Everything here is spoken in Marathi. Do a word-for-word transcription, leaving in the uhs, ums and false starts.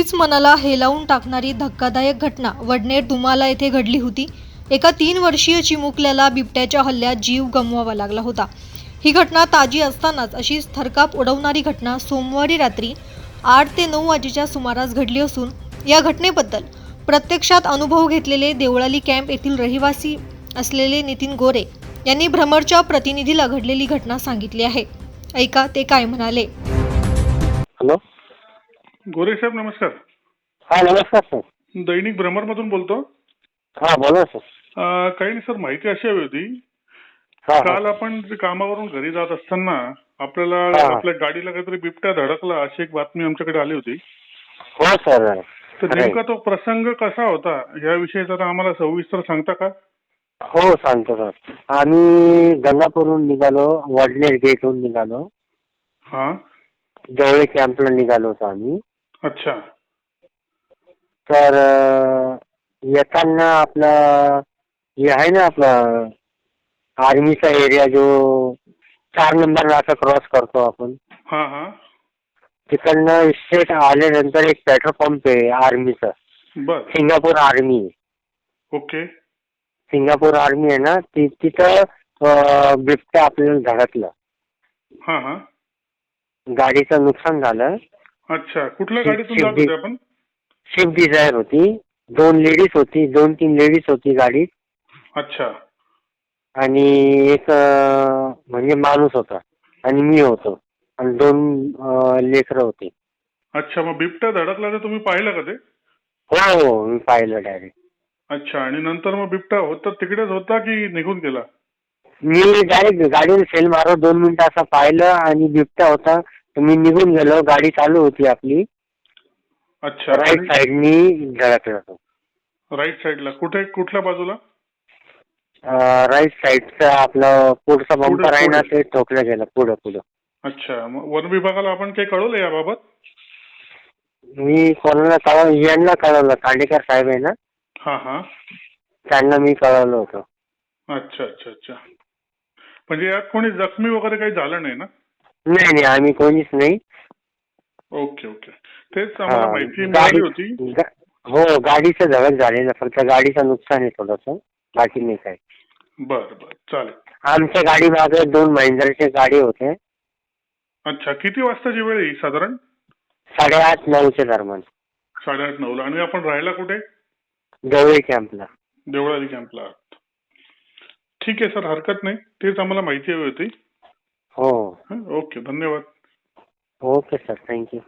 अगदीच मनाला हेलावून टाकणारी धक्कादायक घटना वडनेर दुमाला येथे घडली होती। एका तीन वर्षीय चिमुकल्याला बिबट्याच्या हल्ल्यात जीव गमवावा लागला होता। ही घटना ताजी असतानाच अशीच थरकाप उडवणारी घटना सोमवारी रात्री आठ ते नऊ वाजेच्या सुमारास घडली असून या घटनेबद्दल प्रत्यक्षात अनुभव घेतलेले देवळाली कॅम्प येथील रहिवासी असलेले नितीन गोरे यांनी भ्रमरच्या प्रतिनिधीला घडलेली घटना सांगितली आहे। ऐका ते काय म्हणाले। हॅलो, गोरे साहेब नमस्कार। हा नमस्कार सर। दैनिक भ्रमर मधून बोलतो। हा बोला सर। अं, काही नाही सर, माहिती अशी हवी होती। हा हा. काल आपण जे कामावरून घरी जात असताना आपल्याला हा, हा. आपल्या गाडीला काहीतरी बिबट्या धडकला अशी एक बातमी आमच्याकडे आली होती। हो सर। तर खरंय. नेमका तो प्रसंग कसा होता याविषयी जरा आम्हाला सविस्तर सांगता का? हो सांगतो सर। आम्ही गंगापूरहून निघालो, वडनेर गेटहून निघालो, हा जवळ कॅम्पला निघालो होतो आम्ही। अच्छा तर अं, येताना आपला हे आहे ना आपला आर्मीचा एरिया जो चार नंबर नाका क्रॉस करतो आपण, हा हा तिकडनं स्ट्रेट आल्यानंतर एक पेट्रोल पंप आहे आर्मीचा, बर Singapore army. Okay Singapore army आहे ना, ति तिथं अं, बिबट्या आपल्याला धडकलं। हा हा गाडीचं नुकसान झालं। अच्छा, कुठल्या शिप- गाडीतून जात शिप होते आपण? स्विफ्ट डिझायर होती, दोन लेडीज होती, दोन तीन लेडीज होती गाडीत, अच्छा आणि एक अं, म्हणजे माणूस होता, आणि मी होतो, आणि दोन लेकरं होती। अच्छा, मग बिबट्या धडकला तर तुम्ही पाहिलं का ते? हो हो, मी पाहिलं डायरेक्ट। अच्छा, आणि नंतर मग बिबट्या होता तिकडेच होता की निघून गेला? मी डायरेक्ट गाडीवर सेल मारत दोन मिनिटं असं पाहिलं आणि बिबट्या होता, तर मी निघून गेलो। गाडी चालू होती आपली, अच्छा, राईट साईडनी धडकला तो। राईट साईडला कुठे, कुठल्या बाजूला? राईट साईडचा आपलं पुढचा पुढे- बंपर आहे ना, पुढे. ते ठोकलं गेलं पुढं पुढं। अच्छा, मग वन विभागाला आपण काही कळवलं याबाबत? मी कोणाला कळव यांना कळवलं, खांडेकर साहेब आहे ना, हा हा त्यांना मी कळवलं होतं। अच्छा अच्छा अच्छा, म्हणजे यात कोणी जखमी वगैरे काही झालं नाही ना? नाही नाही, आम्ही कोणीच नाही। ओके ओके, तेच आम्हाला हा, माहिती गाडी मिळाली होती। गा- हो, गाडीचं धडक झालेलं, फक्त गाडीचं नुकसान आहे थोडंसं, बाकी नाही काय। बर बर, चालेल। आमच्या गाडी मागे दोन महिंद्राचे गाडी होते। अच्छा, किती वाजताची वेळ आहे ही साधारण? साडेआठ नऊच्या दरम्यान, साडेआठ नऊला। आणि आपण राहायला कुठे? जवळ कॅम्पला। देवळाली कॅम्पला आहात। ठीक आहे सर, हरकत नाही, तेच आम्हाला माहिती हवी होती। हो, हं, ओके, धन्यवाद। Okay sir, thank you.